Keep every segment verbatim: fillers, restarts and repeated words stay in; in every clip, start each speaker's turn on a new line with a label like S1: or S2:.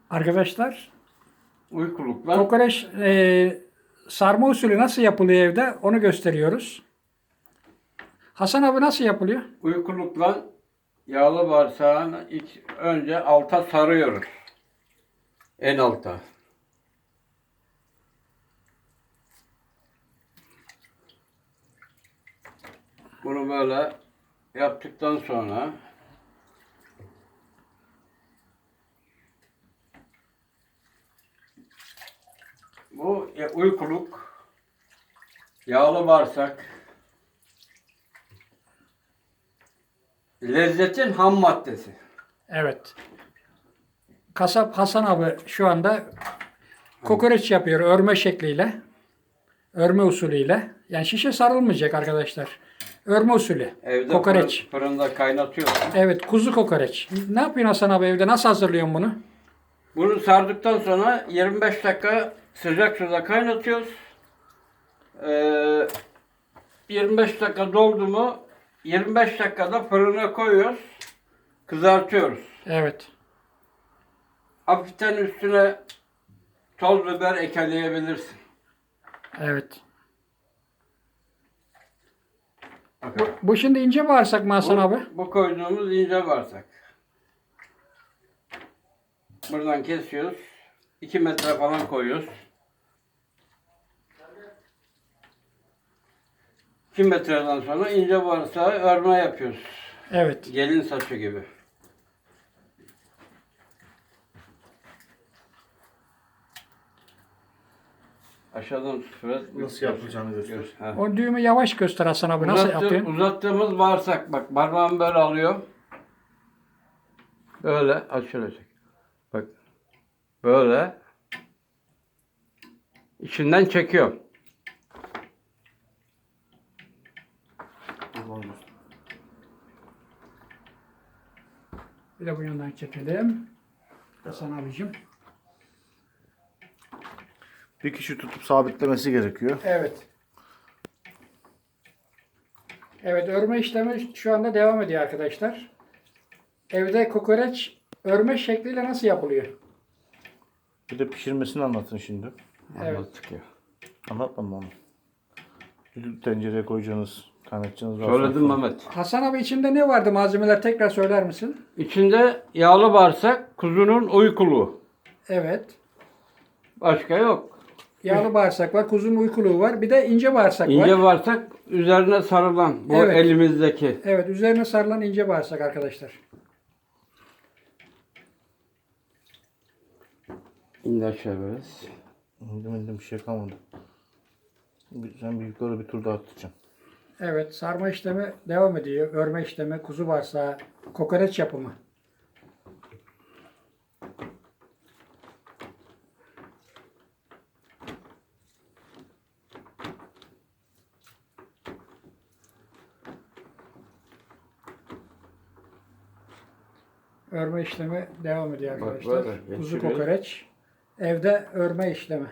S1: Arkadaşlar,
S2: Uykulukla
S1: kokoreç e, sarma usulü nasıl yapılıyor evde onu gösteriyoruz. Hasan abi nasıl yapılıyor?
S2: uykulukla yağlı bağırsağını iç, önce alta sarıyoruz. En alta. Bunu böyle yaptıktan sonra bu e, uykuluk yağlı bağırsak lezzetin ham maddesi.
S1: Evet. Kasap Hasan abi şu anda kokoreç yapıyor örme şekliyle. Örme usulüyle. Yani şişe sarılmayacak arkadaşlar. Örme usulü.
S2: Evde
S1: Kokoreç.
S2: fırın- fırında kaynatıyorsun.
S1: Evet, kuzu kokoreç. Ne yapıyorsun Hasan abi evde? Nasıl hazırlıyorsun bunu?
S2: Bunu sardıktan sonra yirmi beş dakika sıcak suda kaynatıyoruz. Ee, yirmi beş dakika doldu mu yirmi beş dakikada fırına koyuyoruz. Kızartıyoruz.
S1: Evet.
S2: Hafiften üstüne toz biber ekleyebilirsin.
S1: Evet.
S2: Bakın.
S1: Bu şimdi ince bağırsak mı Hasan abi?
S2: Bu, bu koyduğumuz ince bağırsak. Buradan kesiyoruz. iki metre falan koyuyoruz. iki metreden sonra ince bağırsağı örme yapıyoruz.
S1: Evet.
S2: Gelin saçı gibi. Aşağıdan sıfıra
S3: Nasıl yapılacağını göster.
S2: Ha.
S1: O düğümü yavaş göster Hasan abi. Nasıl
S2: Uzattı-
S1: yapıyorsun?
S2: Uzattığımız bağırsak bak parmağımı böyle alıyor. Böyle açılacak. Bak. Böyle. İçinden çekiyor.
S1: Bir de bu yandan çekelim. Hasan abicim.
S3: Bir kişi tutup sabitlemesi gerekiyor.
S1: Evet. Evet, örme işlemi şu anda devam ediyor arkadaşlar. Evde kokoreç örme şekliyle nasıl yapılıyor?
S3: Bir de pişirmesini anlatın şimdi.
S1: Evet.
S2: Anlattık ya.
S3: Anlatmadım onu. Düdüklü tencereye koyacaksınız, kaynatacaksınız. daha
S2: Söyledim
S3: sonra-
S2: Mehmet.
S1: Hasan abi içinde ne vardı malzemeler tekrar söyler misin?
S2: İçinde yağlı bağırsak, kuzunun uykuluğu.
S1: Evet.
S2: Başka yok.
S1: Yağlı bağırsak var, kuzunun uykuluğu var. Bir de ince bağırsak var.
S2: İnce bağırsak üzerine sarılan bu
S1: Evet.
S2: elimizdeki.
S1: Evet, üzerine sarılan ince bağırsak arkadaşlar.
S2: İndi aşağı biraz.
S3: İndim indim bir şey kalmadı. Bir- Sen bir yukarı bir tur daha atacaksın.
S1: Evet, sarma işlemi devam ediyor. Örme işlemi, kuzu bağırsağı, kokoreç yapımı. Örme işlemi devam ediyor
S2: Bak,
S1: arkadaşlar.
S2: böyle
S1: Kuzu
S2: geçiriyoruz.
S1: kokoreç. Evde örme işlemi.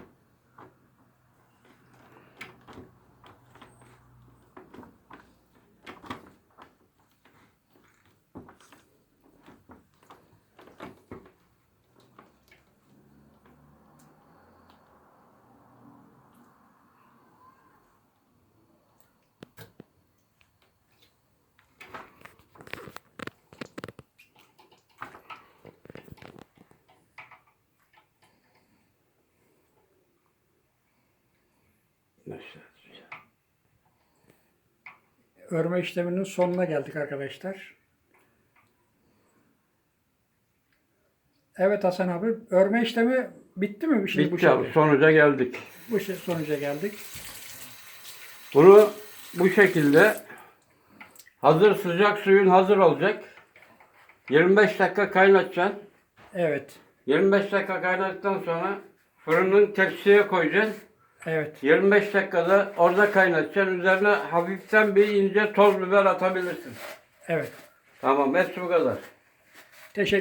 S1: Örme işleminin sonuna geldik arkadaşlar. Evet Hasan abi, örme işlemi bitti mi? Şimdi bu
S2: Bitti abi.
S1: şekilde.
S2: Sonuca geldik.
S1: Bu şey- sonuca geldik.
S2: Bunu bu şekilde hazır sıcak suyun hazır olacak. yirmi beş dakika kaynatacaksın.
S1: Evet.
S2: yirmi beş dakika kaynattıktan sonra fırının tepsiye koyacaksın.
S1: Evet.
S2: yirmi beş dakikada orada kaynatacaksın. Üzerine hafiften bir ince toz biber atabilirsin.
S1: Evet.
S2: Tamam, hepsi bu kadar.
S1: Teşekkür